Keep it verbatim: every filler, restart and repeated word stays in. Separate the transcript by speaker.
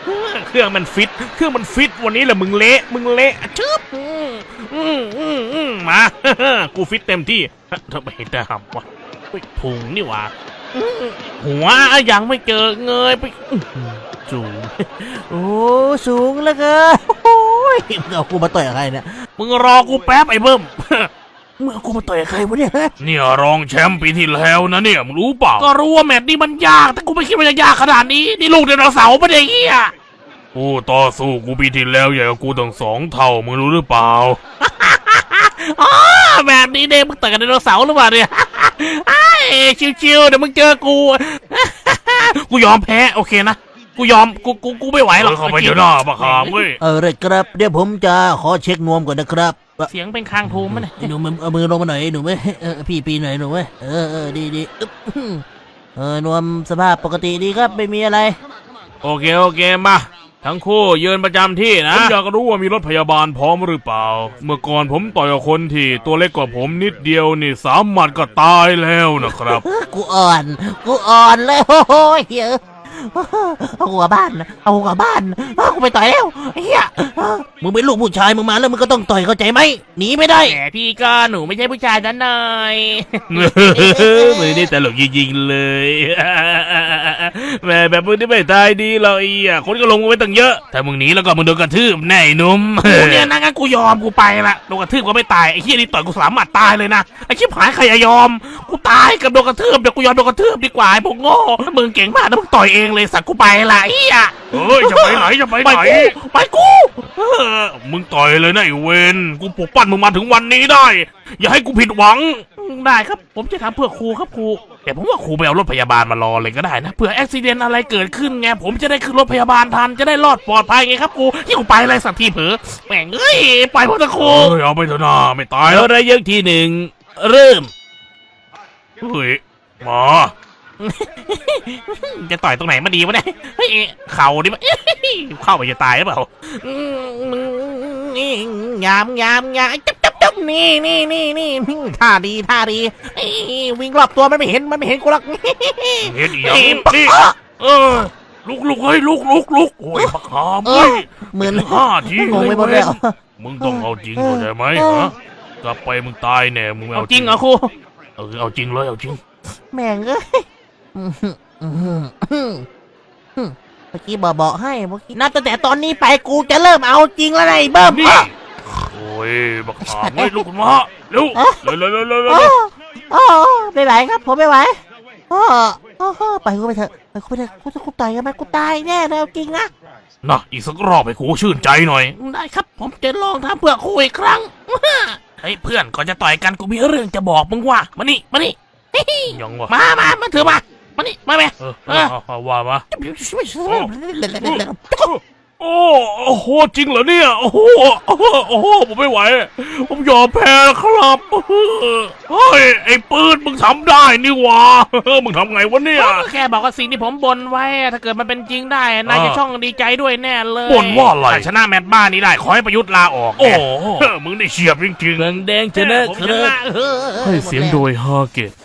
Speaker 1: เครื่องมันฟิตเครื่องมันฟิตวันนี้แหละมึงเละมึงเละชึบมากูฟิตเต็มที่ทำไมดำวะพุงนี่วะหัวยังไม่เจอเงยไปสูง
Speaker 2: โอ้สูงเหลือเกินโอ้ยมึงเอากูมาต่อยกับใครเนี่ย
Speaker 1: มึงรอกูแป๊บไอ้เบิ้ม
Speaker 2: มึงเอากูมาต่อยกับใครวะเนี่ย
Speaker 1: เนี่ยรองแชมป์ปีที่แล้วนะเนี่ยมึงรู้เปล่าก็รู้ว่าแมตช์นี้มันยากแต่กูไม่คิดว่าจะยากขนาดนี้นี่ลูกไดโนเสาร์ปะเนี่ยเฮียกูต่อสู้กูปีที่แล้วใหญ่กว่ากูตั้งสองเท่ามึงรู้หรือเปล่าอ๋อแบบนี้เนี่ยมึงต่อยกับไดโนเสาร์หรือเปล่าเนี่ยไอ้ชิวๆเดี๋ยวมึงเจอกูกูยอมแพ้โอเคนะกูยอมกูกูกูไม่ไหวหรอกเข้าไปเดี๋ยวหน้าปะขามเว้ย
Speaker 2: เออเลยครับเดี๋ยวผมจะขอเช็คนวมก่อนนะครับ
Speaker 1: เสียงเป็นคางทูมมั้ย
Speaker 2: หนูมือเอามือลงมาหน่อยหนูไหมเออพี่ปีหน่อยหนูไหมเออเออดีดีเออนวมสภาพปกติดีครับไม่มีอะไร
Speaker 1: โอเคโอเคมาทั้งคู่ยืนประจำที่นะผมอยากรู้ว่ามีรถพยาบาลพร้อมหรือเปล่าเมื่อก่อนผมต่อยกับคนที่ตัวเล็กกว่าผมนิดเดียวนี่สามหมัดก็ตายแล้วนะครับ
Speaker 2: กูอ่อนกูอ่อนเลยโอ้ยเอาหัวบ้านเอาหัวบ้านกูไปต่อยแล้วเฮียมึงเป็นลูกผู้ชายมึงมาแล้วมึงก็ต้องต่อยเข้าใจไหมหนีไม่ได้
Speaker 1: แหมพี่ก็หนูไม่ใช่ผู้ชายนั่นหน่อยมือนี่ตลกยิงๆเลยแหมแบบมึงนี่ไม่ตายดีหรอกไอ้คนก็ลงมาไว้ตั้งเยอะถ้ามึงหนีแล้วก็มึงโดนกระทืบแน่นุ่มกูเนี่ยนะงั้นกูยอมกูไปละโดนกระทืบก็ไม่ตายไอ้เฮียนี่ต่อยกูสามหมัดตายเลยนะไอ้ชิบหายใครจะยอมกูตายกับโดนกระทืบเดี๋ยวกูยอมโดนกระทืบดีกว่าไอ้พวกโง่มึงเก่งมากนะมึงต่อยเองเลยสักกูไปละไอ้อะเฮ้ยจะไปไหนจะไปไหนไปกูมึงต่อยเลยนะไอ้เวนกูปลุกปั้นมึงมาถึงวันนี้ได้อย่าให้กูผิดหวังได้ครับผมจะทำเพื่อครูครับครูแต่ผมว่าครูไปเอารถพยาบาลมารอเลยก็ได้นะเผื่ออุบัติเหตุอะไรเกิดขึ้นไงผมจะได้ขึ้นรถพยาบาลทันจะได้รอดปลอดภัยไงครับครูที่กูไปอะไรสักทีเผลอแม่งเอ้ยไปพ่อตะครูเฮ้ยเอาไปเถอะนะไม่ตายแล้วได้ยังทีหนึ่งเริ่มเฮ้ยมาจะต่อยตรงไหนมาดีวะเนี่ยเฮ้ยเข่าดิมั้ยเข้าไปจะตายหรือเปล่า
Speaker 2: นี่ยามยามยามจับจับจับนี่นี่นี่นี่ท่าดีท่าดีวิ่งรอบตัวมันไม่เห็นมันไม่เห็นกูหรอก
Speaker 1: เห็นอีกนี่เออลุกลุกเฮ้ยลุกลุกลุกโอ้ยปักหามเฮ้ย
Speaker 2: เหมือน
Speaker 1: ห้าที
Speaker 2: งงไปหมดแล้ว
Speaker 1: มึงต้องเอาจริงเข้าใจไหมฮะกลับไปมึงตายแน่มึงเอา
Speaker 2: จริงเหรอครู
Speaker 1: เออเอาจริงเลยเอาจริง
Speaker 2: แม่งเอ้ยเมื่อกี้บอกบอกให้เมื่อกี้นับตั้งแต่ตอนนี้ไปกูจะเริ่มเอาจริงแล้วไอ้เบิ้ม
Speaker 1: โอ้ยบักขามไม่ลุกมาเร็วเร็วเร็วเร็วเร็วเร็ว
Speaker 2: โอ้ไม่ไหวครับผมไม่ไหวโอ้โหไปกูไปเถอะไปกูไปเถอะกูจะกูตายกันไหมกูตายแน่เลยจริงนะ
Speaker 1: น่ะอีกสักรอบให้กูชื่นใจหน่อยได้ครับผมจะลองทำเพื่อคู่อีกครั้งเฮ้ยเพื่อนก่อนจะต่อยกันกูมีเรื่องจะบอกมึงว่ามานี่มานี่ยังวะมามามาเถอะมามานี่มาไหมเออว่ามาโอ้โอ้โหจริงเหรอเนี่ยโอ้โหโอ้โหผมไม่ไหวผมยอมแพ้แล้วครับเฮ้ยไอ้ปืนมึงทำได้นี่วะมึงทำไงวะเนี่ยแค่บอกว่าสิ่งที่ผมบ่นไว้ถ้าเกิดมันเป็นจริงได้นายจะช่องดีใจด้วยแน่เลยบ่นว่าอะไรชนะแมตช์บ้านนี้ได้ขอให้ประยุทธ์ลาออกโอ้มึงได้เฉียบจริงๆ
Speaker 2: แดงแดงชนะครับ
Speaker 1: ให้เสียงโดยฮาเกต